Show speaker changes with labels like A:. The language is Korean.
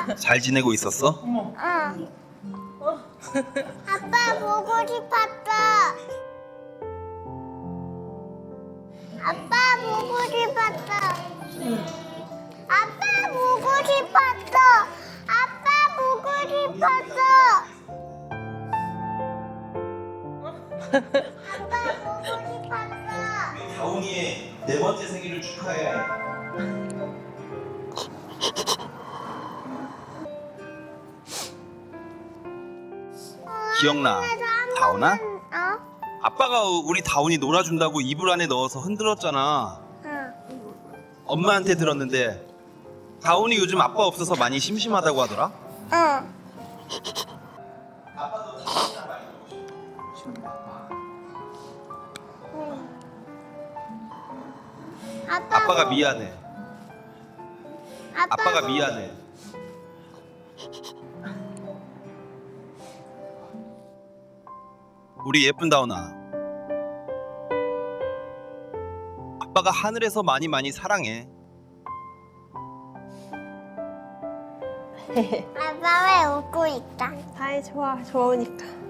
A: 잘 지내고 있었어?
B: 응. 아빠 보고 싶었어. 아빠 보고 싶었어. 아빠 보고 싶었어. 아빠 보고 싶었어. 아빠 보고 싶었어.
A: 다운이의 4번째 생일을 축하해. 기억나, 다운아? 아빠가 우리 다운이 놀아준다고 이불 안에 넣어서 흔들었잖아.
B: 응.
A: 엄마한테 들었는데 다운이 요즘 아빠 없어서 많이 심심하다고 하더라.
B: 응.
A: 아빠가 미안해. 아빠가 미안해. 우리 예쁜 다운아. 아빠가 하늘에서 많이 사랑해.
B: 아빠 왜 웃고 있다?
C: 다이 좋아, 좋으니까.